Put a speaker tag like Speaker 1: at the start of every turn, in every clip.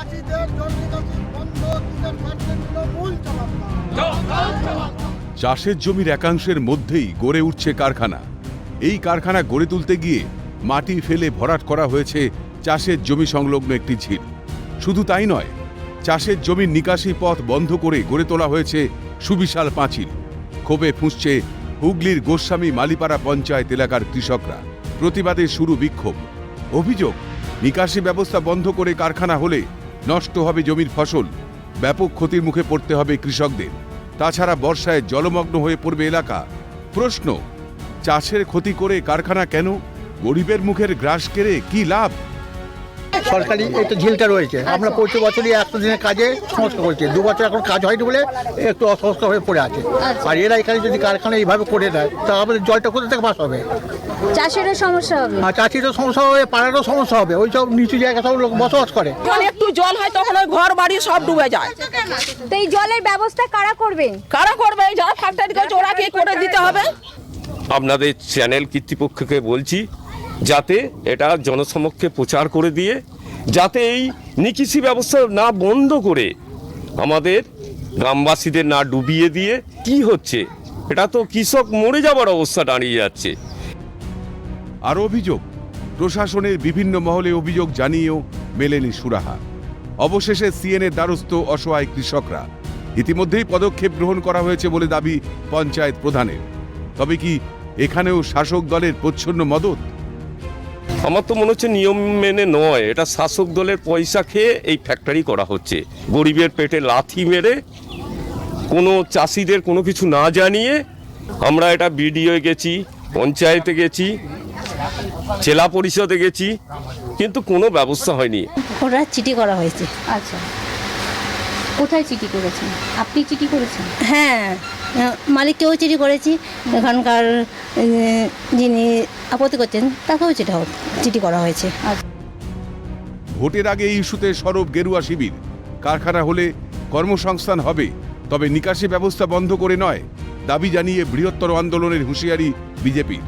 Speaker 1: চাষের জমির একাংশের মধ্যেই গড়ে উঠছে কারখানা। এই কারখানা গড়ে তুলতে গিয়ে মাটি ফেলে ভরাট করা হয়েছে চাষের জমি সংলগ্ন একটি ঝিল। শুধু তাই নয়, চাষের জমির নিকাশি পথ বন্ধ করে গড়ে তোলা হয়েছে সুবিশাল পাঁচিল। ক্ষোভে ফুঁসছে হুগলির গোস্বামী মালিপাড়া পঞ্চায়েত এলাকার কৃষকরা। প্রতিবাদে শুরু বিক্ষোভ। অভিযোগ, নিকাশি ব্যবস্থা বন্ধ করে কারখানা হলে নষ্ট হবে জমির ফসল, ব্যাপক ক্ষতির মুখে পড়তে হবে কৃষকদের। তাছাড়া বর্ষায় জলমগ্ন হয়ে পড়বে এলাকা। প্রশ্ন, চাষের ক্ষতি করে কারখানা কেন? গরিবের মুখের গ্রাস কেড়ে কি লাভ?
Speaker 2: সরকারি এই তো ঝিলটা রয়েছে, আমরা প্রতি বছরই 100 দিনের কাজে সংস্কার করছি। 2 বছর এখন কাজ হয়নি বলে একটু অসংস্কার হয়ে পড়ে আছে। আর এরা এখানে যদি কারখানা এইভাবে করে দেয় তা আমাদের জলটা কোথা থেকে পাস হবে?
Speaker 3: চাষেরও সমস্যা হবে,
Speaker 2: আর চাষিরও সমস্যা হবে, পাড়ারও সমস্যা হবে। ওই সব নিচু জায়গায় সব লোক বসবাস করে।
Speaker 4: যখন একটু জল হয় তখন ওই ঘর বাড়ি সব ডুবে যায়।
Speaker 3: তো এই জলের ব্যবস্থা কারা করবে?
Speaker 4: কারা করবে? যারা ফ্যাক্টরি করছে ওরা কি করে দিতে হবে।
Speaker 5: আপনাদের চ্যানেল কর্তৃপক্ষকে বলছি যাতে এটা জনসমক্ষে প্রচার করে দিয়ে যাতে এই নিকাশি ব্যবস্থা না বন্ধ করে আমাদের গ্রামবাসীদের না ডুবিয়ে দিয়ে কি হচ্ছে, এটা তো কৃষক মরে যাবার অবস্থা দাঁড়িয়ে যাচ্ছে।
Speaker 1: আর অভিযোগ, প্রশাসনের বিভিন্ন মহলে অভিযোগ জানিয়েও মেলেনি সুরাহা। অবশেষে সিএনের দ্বারস্থ অসহায় কৃষকরা। ইতিমধ্যেই পদক্ষেপ গ্রহণ করা হয়েছে বলে দাবি পঞ্চায়েত প্রধানের। তবে কি এখানেও শাসক দলের প্রচ্ছন্ন মদত?
Speaker 5: আমার তো মনে হচ্ছে নিয়ম মেনে নয়, এটা শাসক দলের পয়সা খেয়ে এই ফ্যাক্টরি করা হচ্ছে। গরিবের পেটে লাথি মেরে কোনো চাষিদের কোনো কিছু না জানিয়ে আমরা এটা বিডিও গেছি, পঞ্চায়েতে গেছি, জেলা পরিষদে গেছি, কিন্তু কোনো ব্যবস্থা হয়নি।
Speaker 6: ওরা চিঠি করা হয়েছে।
Speaker 3: আচ্ছা, কোথায় চিঠি করেছেন? আপনি চিঠি করেছেন?
Speaker 6: হ্যাঁ, মালিককেও চিঠি করেছি, এখানকার যিনি আপত্তি করছেন তাকেও চিঠি করা হয়েছে।
Speaker 1: ভোটের আগে এই ইস্যুতে সরব গেরুয়া শিবির। কারখানা হলে কর্মসংস্থান হবে, তবে নিকাশি ব্যবস্থা বন্ধ করে নয়। দাবি জানিয়ে বৃহত্তর আন্দোলনের হুঁশিয়ারি বিজেপির।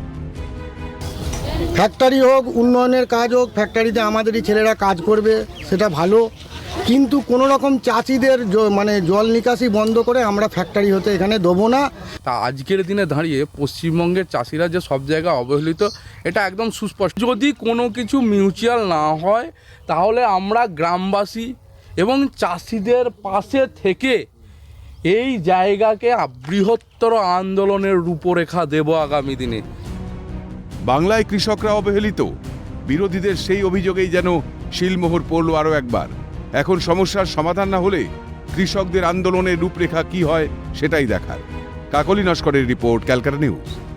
Speaker 2: ফ্যাক্টরি হোক, উন্নয়নের কাজ হোক, ফ্যাক্টরিতে আমাদেরই ছেলেরা কাজ করবে, সেটা ভালো। কিন্তু কোনো রকম চাষিদের মানে জল নিকাশি বন্ধ করে আমরা ফ্যাক্টরি হতে এখানে দেবো না।
Speaker 7: তা আজকের দিনে দাঁড়িয়ে পশ্চিমবঙ্গের চাষিরা যে সব জায়গায় অবহেলিত, এটা একদম সুস্পষ্ট। যদি কোনো কিছু মিউচুয়াল না হয় তাহলে আমরা গ্রামবাসী এবং চাষিদের পাশে থেকে এই জায়গাকে বৃহত্তর আন্দোলনের রূপরেখা দেব আগামী দিনে।
Speaker 1: বাংলায় কৃষকরা অবহেলিত, বিরোধীদের সেই অভিযোগেই যেন শিলমোহর পড়ল আরও একবার। এখন সমস্যার সমাধান না হলে কৃষকদের আন্দোলনের রূপরেখা কি হয় সেটাই দেখার। কাকলি নস্করের রিপোর্ট, ক্যালকাটা নিউজ।